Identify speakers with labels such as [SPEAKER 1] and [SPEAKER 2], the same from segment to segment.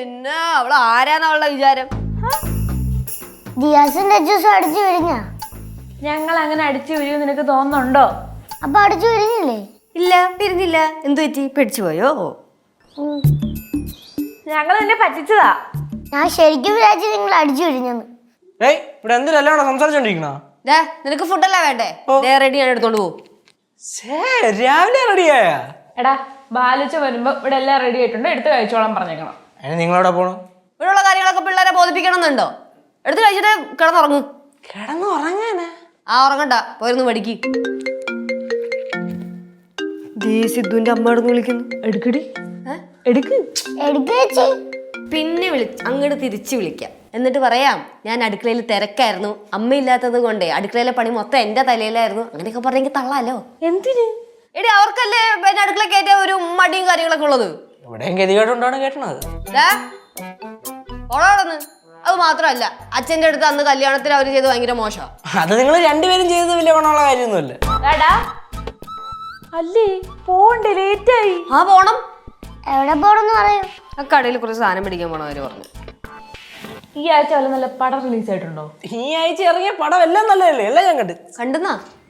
[SPEAKER 1] പിന്നെ അവള് ആരാന്നുള്ള വിചാരം?
[SPEAKER 2] ജിയാസിന്റെ ജ്യൂസ് അടിച്ചു വിരിഞ്ഞ?
[SPEAKER 3] ഞങ്ങൾ അങ്ങനെ അടിച്ചു വീഴും നിനക്ക് തോന്നുന്നുണ്ടോ?
[SPEAKER 2] അപ്പൊ അടിച്ചു വിരിഞ്ഞില്ലേ?
[SPEAKER 1] ഇല്ല, പിരിഞ്ഞില്ല. എന്തു പറ്റി? പേടിച്ചു പോയോ?
[SPEAKER 3] ഞങ്ങൾ നിന്നെ പറ്റിച്ചതാ.
[SPEAKER 2] ഞാൻ ശരിക്കും വിചാരിച്ചു നിങ്ങൾ അടിച്ചു വിരിഞ്ഞെന്ന്.
[SPEAKER 4] ഇവിടെ എന്തിനല്ല സംസാരിച്ചോണ്ടിരിക്കണ?
[SPEAKER 1] നിനക്ക് ഫുഡല്ല വേണ്ടേ? റെഡി ഞാൻ എടുത്തോണ്ട് പോകും.
[SPEAKER 4] രാവിലെ റെഡിയായ?
[SPEAKER 3] എടാ ബാലിച്ച വരുമ്പോ ഇവിടെ എല്ലാം റെഡി ആയിട്ടുണ്ട്, എടുത്ത് കഴിച്ചോളാൻ പറഞ്ഞേക്കണം.
[SPEAKER 4] അതിന് നിങ്ങളവിടെ പോണം?
[SPEAKER 1] ഇവിടെയുള്ള കാര്യങ്ങളൊക്കെ പിള്ളേരെ ബോധിപ്പിക്കണം എന്നുണ്ടോ? എടുത്ത് കഴിച്ചിട്ട് കിടന്നുറങ്ങ്.
[SPEAKER 4] കിടന്നു ഉറങ്ങാനാ?
[SPEAKER 1] ഉറങ്ങണ്ട, പോയിരുന്നു പഠിക്ക്. സിദ്ധുവിന്റെ അമ്മ എടുന്ന് വിളിക്കുന്നു.
[SPEAKER 3] എടുക്കടി, എടുക്ക്.
[SPEAKER 1] പിന്നെ അങ്ങോട്ട് തിരിച്ചു വിളിക്കാം. എന്നിട്ട് പറയാം ഞാൻ അടുക്കളയിൽ തിരക്കായിരുന്നു, അമ്മയില്ലാത്തത് കൊണ്ടേ അടുക്കളയിലെ പണി മൊത്തം എന്റെ തലയിലായിരുന്നു. അങ്ങനെയൊക്കെ പറഞ്ഞെങ്കിൽ തള്ളാലോ.
[SPEAKER 3] എന്തിന്?
[SPEAKER 1] എടി അവർക്കല്ലേ പിന്നെ അടുക്കള കയറ്റ ഒരു മടിയും കാര്യങ്ങളൊക്കെ ഉള്ളത്.
[SPEAKER 4] ഇവിടെയും ഗതികേട്ടുണ്ടാണ് കേട്ടണത്.
[SPEAKER 1] ഓളാണെന്ന് അത് മാത്രമല്ല, അച്ഛന്റെ അടുത്ത് അന്ന് കല്യാണത്തിന് അവര് ചെയ്ത് ഭയങ്കര മോശം.
[SPEAKER 4] അത് നിങ്ങൾ രണ്ടുപേരും ചെയ്തത് വലിയ ഗുണമുള്ള കാര്യമൊന്നുമല്ല.
[SPEAKER 3] അല്ലേ പോണ്ടേ, ലേറ്റായി.
[SPEAKER 1] പോണം.
[SPEAKER 2] എവിടെ പോണെന്ന് പറയൂ.
[SPEAKER 1] ആ കടയിൽ കുറച്ച് സാധനം പിടിക്കാൻ പോണ അവര് പറഞ്ഞു.
[SPEAKER 3] ഈ ആഴ്ച വല്ല നല്ല പടം റിലീസ് ആയിട്ടുണ്ടോ?
[SPEAKER 4] ഈ ആഴ്ച ഇറങ്ങിയ പടം എല്ലാം നല്ലതല്ലേ? എല്ലാം ഞാൻ
[SPEAKER 1] കണ്ടെന്നാ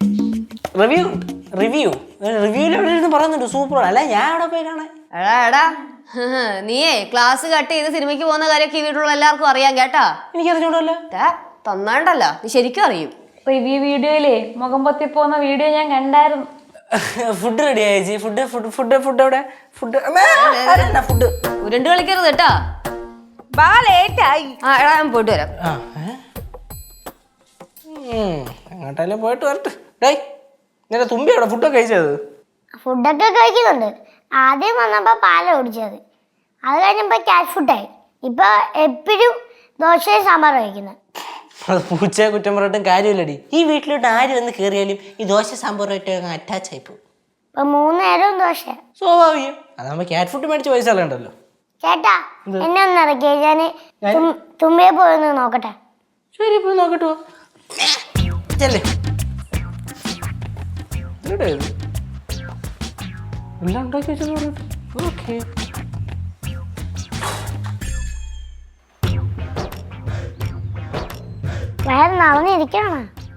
[SPEAKER 4] റിവ്യൂല് പറയുന്നുണ്ട് സൂപ്പർ. അല്ല ഞാൻ അവിടെ പോയി കാണാൻ.
[SPEAKER 1] എടാ നീയേ ക്ലാസ് കട്ട് ചെയ്ത് സിനിമയ്ക്ക് പോകുന്ന കാര്യമൊക്കെ ഈ വീട്ടിലുള്ള എല്ലാവർക്കും അറിയാം കേട്ടാ.
[SPEAKER 4] എനിക്കറിഞ്ഞൂടല്ലോ.
[SPEAKER 1] തന്നാണ്ടല്ല, നീ ശരിക്കും അറിയും.
[SPEAKER 3] റിവ്യൂ വീഡിയോയിലേ മുഖം പൊത്തി പോകുന്ന വീഡിയോ ഞാൻ കണ്ടായിരുന്നു.
[SPEAKER 4] ഫുഡ് റെഡി ആയി. ഫുഡ് എവിടെ? ഫുഡ്
[SPEAKER 1] ഉരുണ്ട് കളിക്കരുത് കേട്ടാ.
[SPEAKER 3] ലേറ്റായി.
[SPEAKER 1] എടാ ഞാൻ പോയിട്ട് വരാം.
[SPEAKER 4] എങ്ങോട്ടല്ലേ പോയിട്ട് വരട്ടെ. ഡേയ് നിന്റെ തുമ്പി അവിടെ ഫുഡൊക്കെ കഴിച്ചത്?
[SPEAKER 2] ഫുഡൊക്കെ കഴിക്കുന്നുണ്ട്. ആദ്യം വന്നപ്പോ പാല ഓടിച്ചത്, അത് കഴിഞ്ഞപ്പോ ക്യാറ്റ് ഫുഡായി. ഇപ്പൊ എപ്പോഴും ദോശയും സാമ്പാറും കഴിക്കുന്നത്.
[SPEAKER 4] അത് പൂച്ചയെ കുറ്റം പറഞ്ഞിട്ടും കാര്യമില്ലടി. ഈ വീട്ടിലോട്ട് ആര് വന്ന് കയറിയാലും ഈ ദോശ സാമ്പാറുമായിട്ട് അറ്റാച്ച് ആയി പോകും.
[SPEAKER 2] ഇപ്പൊ 3 നേരവും ദോശ.
[SPEAKER 4] സ്വാഭാവികം. അതാകുമ്പോ ക്യാറ്റ് ഫുഡ് മേടിച്ച് പൈസ കളയണ്ടല്ലോ.
[SPEAKER 2] ചേട്ടാ എന്നെ ഒന്ന് ഇറക്കിയ, ഞാന് തുമ്പിയെ പോയൊന്ന് നോക്കട്ടെ.
[SPEAKER 4] ശരി, പോയി നോക്കട്ടോ. ചെല്ലേ എല്ലാം ഉണ്ടാക്കി വെച്ചു. ഓക്കെ.
[SPEAKER 2] വേറെ നടന്നിരിക്കണ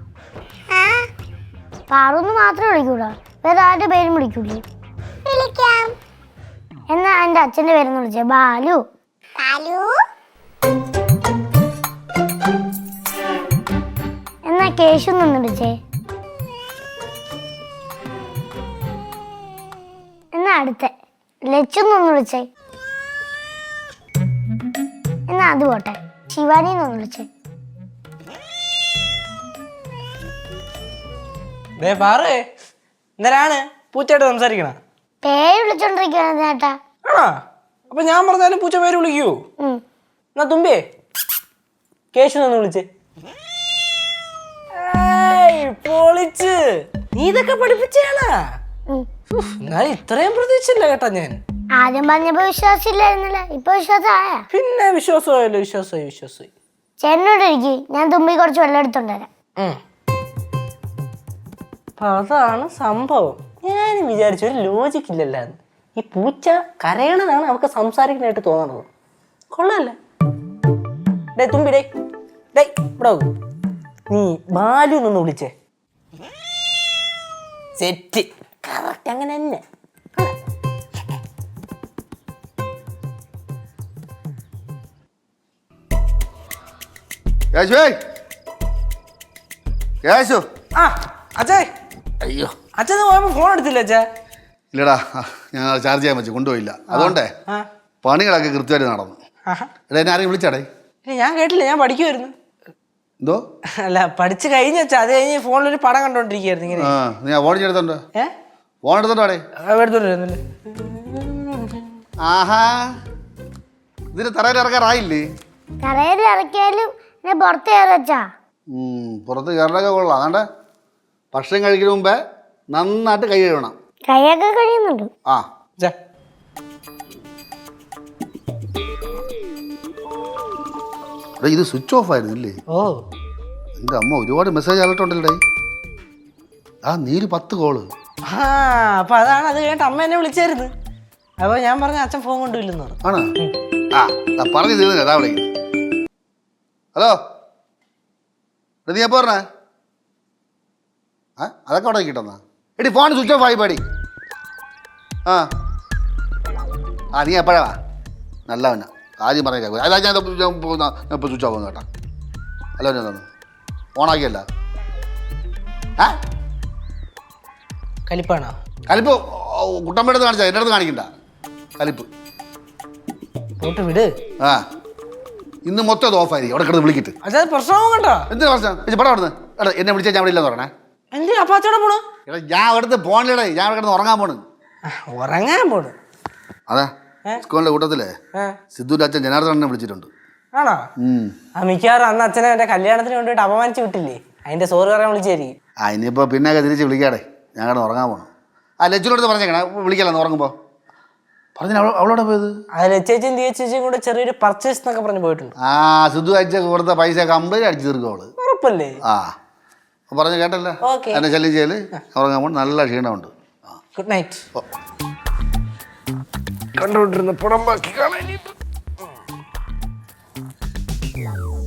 [SPEAKER 2] പാറൊന്ന് മാത്രമേ വിളിക്കൂടാ, വേറെ ആരുടെ പേരും വിളിക്കൂലേ? വിളിക്കാം. എന്നാ എന്റെ അച്ഛന്റെ പേരെന്ന് വിളിച്ചേ. ബാലു. എന്നാ കേശു നിന്ന് വിളിച്ചേ. എന്നാ അടുത്ത ലച്ചു നിന്ന് വിളിച്ചേ. എന്നാ അത് പോട്ടെ, ശിവാനി നിന്ന് വിളിച്ചേ.
[SPEAKER 4] എന്തിനാണ് പൂച്ചയായിട്ട് സംസാരിക്കണ?
[SPEAKER 2] പേര് വിളിച്ചോണ്ടിരിക്കുകയാണ് ചേട്ടാ.
[SPEAKER 4] അപ്പൊ ഞാൻ പറഞ്ഞാലും പൂച്ച പേര് വിളിക്കൂ? എന്നാ തുമ്പിയേ കേശു നിന്ന് വിളിച്ചേ. പൊളിച്ച്. നീ ഇതൊക്കെ പഠിപ്പിച്ചാണ്. ഇത്രയും പ്രതീക്ഷിച്ചില്ല കേട്ടാ ഞാൻ.
[SPEAKER 2] ആദ്യം പറഞ്ഞപ്പോ വിശ്വാസമില്ലായിരുന്നല്ലേ, ഇപ്പൊ വിശ്വാസമായ?
[SPEAKER 4] പിന്നെ വിശ്വാസമായല്ലോ. വിശ്വാസമായി.
[SPEAKER 2] ചേട്ടനോട് ഇരിക്കും, ഞാൻ തുമ്പി കുറച്ച് വെള്ളം എടുത്തോണ്ടരാം.
[SPEAKER 4] അതാണ് സംഭവം. ഞാൻ വിചാരിച്ചു ഒരു ലോജിക് ഇല്ലല്ലോ. ഈ പൂച്ച കരയണതാണ് അവർക്ക് സംസാരിക്കാനായിട്ട് തോന്നണത്. കൊള്ളാല്ലേ? ഡേ തുമ്പി, ഡേ ഇവിടെ നീ ബാലു നിന്ന് വിളിച്ചേ. സെറ്റ്. കറക്റ്റ് അങ്ങനെ തന്നെ. അയ്യോ അച്ഛൻ പോയപ്പോ ഫോൺ എടുത്തില്ല അച്ഛാ?
[SPEAKER 5] ഇല്ലടാ, ഞാൻ ചാർജ് ചെയ്യാൻ വെച്ചു, കൊണ്ടുപോയില്ല. അതുകൊണ്ടേ പണികളൊക്കെ കൃത്യമായിട്ട് നടന്നു. എടാ എന്നെ ആരെയും വിളിച്ചാടേ?
[SPEAKER 4] ഞാൻ കേട്ടില്ല, ഞാൻ പഠിക്കുമായിരുന്നു.
[SPEAKER 5] എന്തോ? അല്ല
[SPEAKER 4] പഠിച്ചു കഴിഞ്ഞ വെച്ചാ, അത് കഴിഞ്ഞ് ഫോണിലൊരു പടം കണ്ടോണ്ടിരിക്കുന്നു. ഇങ്ങനെ
[SPEAKER 5] നീ ഫോൺ എടുത്തോണ്ടോ? ഫോൺ എടുത്തോണ്ടോടെ?
[SPEAKER 4] എടുത്തോണ്ടിരുന്നില്ല.
[SPEAKER 5] ആഹാ, ഇതിന് തറയിൽ ഇറക്കാറായില്ലേ?
[SPEAKER 2] തറയിൽ ഇറക്കിയാലും പുറത്ത് കയറി വെച്ചാ.
[SPEAKER 5] പുറത്ത് കയറലൊക്കെ കൊള്ളാം. അതാണ്ട് ഭക്ഷണം കഴിക്കുന്ന മുമ്പേ നന്നായിട്ട് കൈ കഴുകണം.
[SPEAKER 2] കൈയൊക്കെ കഴിയുന്നുണ്ട്.
[SPEAKER 5] ഇത് സ്വിച്ച് ഓഫ് ആയിരുന്നില്ലേ? എൻ്റെ അമ്മ ഒരുപാട് മെസ്സേജ് അലർട്ടുണ്ടല്ലേ. നീര് 10 കോള്.
[SPEAKER 4] അപ്പൊ അതാണ്. അത് കേട്ട് അമ്മ എന്നെ വിളിച്ചായിരുന്നു. അപ്പൊ ഞാൻ പറഞ്ഞ അച്ഛൻ ഫോൺ കൊണ്ടുപോയില്ലെന്ന് പറഞ്ഞു.
[SPEAKER 5] ആണ്. ആ പറഞ്ഞു തീർന്നില്ല അതാ വിളിക്കുന്നത്. ഹലോ നീ എപ്പോ പറഞ്ഞേ? ആ അതൊക്കെ അവിടെ കിട്ടുന്ന എടി ഫോൺ സ്വിച്ച് ഓഫ് ആയി പാടി. ആ ആ നീ എപ്പോഴാ നല്ലവനാ ആദ്യം പറഞ്ഞേക്കാം. അതാ ഞാൻ ഇപ്പോൾ സ്വിച്ച് ഓഫ് ആവുന്നു കേട്ടാ. ഹലോ ഞാൻ തന്നു ഓണാക്കിയല്ല. ആ
[SPEAKER 4] കലിപ്പാണോ?
[SPEAKER 5] കലിപ്പ് കുട്ടമ്പയുടെ അടുത്ത് കാണിച്ചാൽ എൻ്റെ അടുത്ത് കാണിക്കണ്ട കലിപ്പ്.
[SPEAKER 4] പോട്ട് വിട്.
[SPEAKER 5] ആ ഇന്ന് മൊത്തം അത് ഓഫായിരിക്കും. അവിടെ കിടന്ന് വിളിക്കിട്ട്
[SPEAKER 4] അച്ഛാ പ്രശ്നമാവും കേട്ടോ.
[SPEAKER 5] എന്തിനാ പ്രശ്നം? പടം അവിടുന്ന് എടാ എന്നെ വിളിച്ചാൽ ഞാൻ അവിടെ ഇല്ലെന്ന് പറഞ്ഞേ.
[SPEAKER 4] എന്ത് അപ്പാച്ചോടെ പോണു?
[SPEAKER 5] എടാ ഞാൻ അവിടുത്തെ പോണില്ലടേ, ഞാൻ അവിടെ കിടന്ന് ഉറങ്ങാൻ പോണ്.
[SPEAKER 4] ഉറങ്ങാൻ പോണു?
[SPEAKER 5] അതെ സ്കൂളിൻ്റെ കൂട്ടത്തിലെ സിദ്ധുവിൻ്റെ അച്ഛൻ ജനാർദ്ദനെ വിളിച്ചിട്ടുണ്ട്.
[SPEAKER 4] ആണോ? ആ മിക്കവാറും അന്ന് അച്ഛനെ എന്റെ കല്യാണത്തിന് കൊണ്ടുപോയിട്ട് അപമാനിച്ച് വിട്ടില്ലേ, അതിന്റെ സോറി പറയാൻ വിളിച്ചായിരിക്കും.
[SPEAKER 5] ആ ഇനിയിപ്പോൾ പിന്നെയൊക്കെ തിരിച്ച് വിളിക്കാടേ, ഞാൻ കിടന്ന് ഉറങ്ങാൻ പോകണം. ആ ലച്ചുനടുത്ത് പറഞ്ഞേക്കണേ വിളിക്കലെന്ന് ഉറങ്ങുമ്പോൾ പറഞ്ഞു. അവളോടെ പോയത്?
[SPEAKER 4] അത് ലച്ചേച്ചും ചേച്ചിയും കൂടെ ചെറിയൊരു പർച്ചേസ് എന്നൊക്കെ പറഞ്ഞ് പോയിട്ടുണ്ട്.
[SPEAKER 5] ആ സിദ്ധു അയച്ച കൊടുത്ത പൈസ കമ്പനി അടിച്ചു തീർക്കും അവള്.
[SPEAKER 4] ഉറപ്പല്ലേ?
[SPEAKER 5] ആ പറഞ്ഞു കേട്ടല്ലേ.
[SPEAKER 4] ഓക്കെ.
[SPEAKER 5] എന്നെ ശല്യം ചെയ്യല് ഉറങ്ങാൻ പോകണം. നല്ല ക്ഷീണമുണ്ട്.
[SPEAKER 4] Good night.
[SPEAKER 5] കണ്ടുകൊണ്ടിരുന്ന പടം ബാക്കി കാണാൻ